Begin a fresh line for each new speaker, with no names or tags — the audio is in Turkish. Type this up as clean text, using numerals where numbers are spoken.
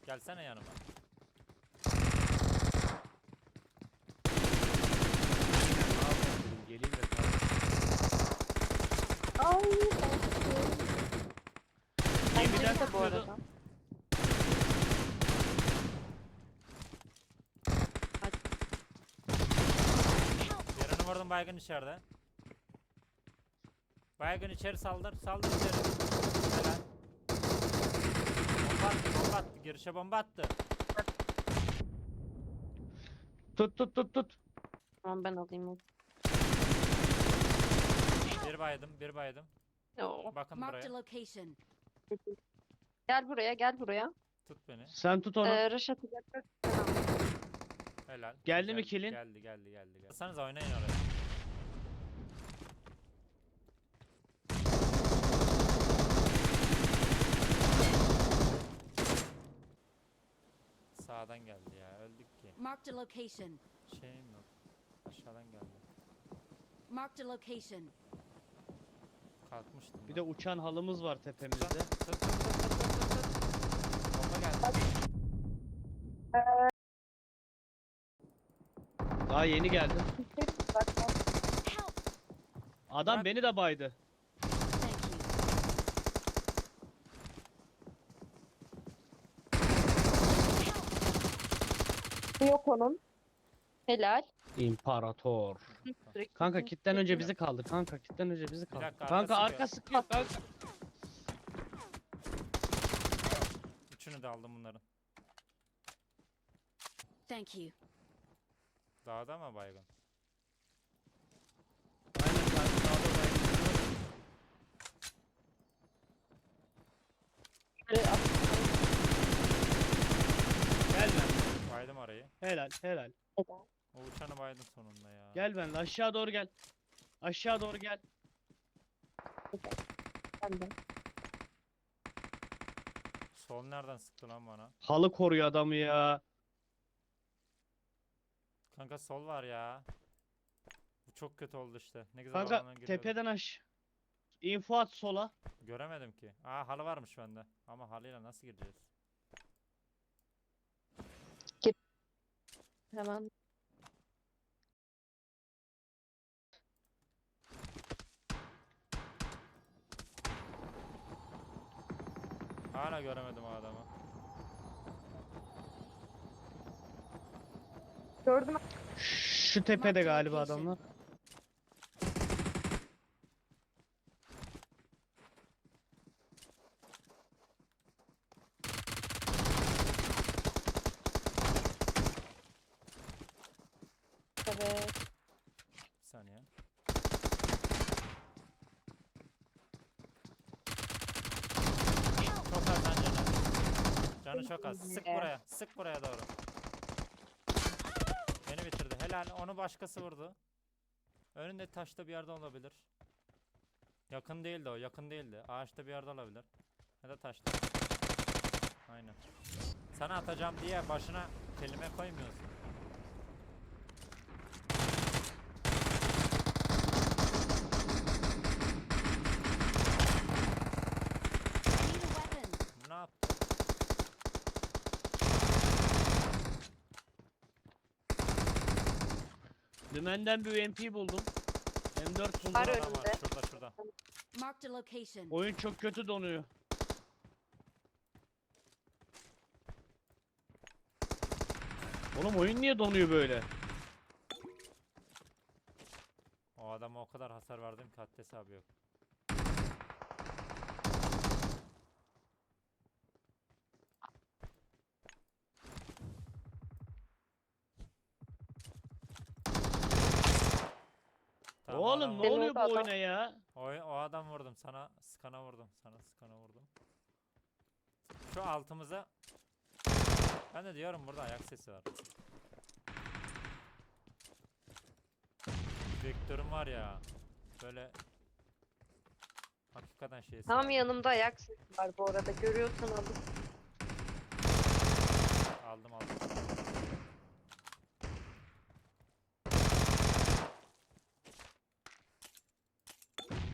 Gelsene yanıma.
Geleyim de kalk.
Ay ben
Gemiden
de bu arada.
sıkıyordu.
Birini vurdum, baygın içeride. Baygın içeri saldır. Saldır içeri. Helal. Bomba attı, bomba attı. Girişe bomba attı.
Tut.
Tamam ben alayım onu.
Bir baydım, bir baydım.
Oo.
Bakın
Marked a
buraya.
location.
Gel buraya gel buraya.
Tut beni.
Sen tut onu.
Rush atacaklar. Tamam.
Helal.
Geldi mi
Güzel.
killin?
Geldi. Sanız oynayın oraya. Sağdan geldi ya. Öldük ki.
Marked a location.
Şeyim yok. Aşağıdan geldi.
Marked a location.
Kalkmıştım.
Bir
ben.
de uçan halımız var tepemizde.
Tut. Bomba geldi.
Daha yeni geldim.
Help!
Adam
Bırak.
beni de baydı.
Thank you.
Yok onun. Helal.
İmparator.
Direkt
Kanka
gittim.
kitten önce bizi kaldır. Kanka kitten önce bizi kaldır.
dakika,
Kanka
arka
arka sıkıyor kanka.
Üçünü de aldım bunların.
Thank you.
Dağda mı baygın?
Aynen kanka sağda baydı.
Yukarı at.
Gel lan.
Baydım arayı.
Helal.
Helal.
O uçanı baydım sonunda ya.
Gel benimle aşağı doğru gel. Aşağı doğru gel.
Ben de.
Sol nereden sıktı lan bana?
Halı koruyor adamı ya.
Kanka sol var ya. Bu çok kötü oldu işte. Ne güzel
Kanka
alandan giriyorduk.
tepeden info at sola.
Göremedim ki. Aa, halı varmış bende. Ama halıyla nasıl gireceğiz?
Hemen.
Hala göremedim o adamı.
Gördüm.
Şu tepede
Marked
galiba
location.
adamlar.
Evet.
Bir saniye. Çok az lan canı. Canı çok az. Sık buraya. Sık buraya doğru. Beni bitirdi. Helal. Onu başkası vurdu. Önünde taşta bir yerde olabilir. Yakın değildi o. Yakın değildi. Ağaçta bir yerde olabilir. Ya da taşta. Aynen. Sana atacağım diye başına kelime koymuyorsun.
I need a weapon.
Ne yaptı?
Dümenden bir UMP buldum. M4 buldum.
Var
Adam var.
önünde.
Şurada.
Marked a location.
Oyun çok kötü donuyor. Oğlum oyun niye donuyor böyle?
O adama o kadar hasar verdim ki haddi hesabı yok. Tamam, o
Oğlum
adamı-
ne oluyor
Benim
bu
orada
oyuna ya?
O adam vurdum sana, skana vurdum. Sana skana vurdum. Şu altımıza. Ben de diyorum burada ayak sesi var. Vektörüm var ya. Böyle hakikaten şey.
Tam yanımda ayak sesi var bu arada. Görüyorsun onu.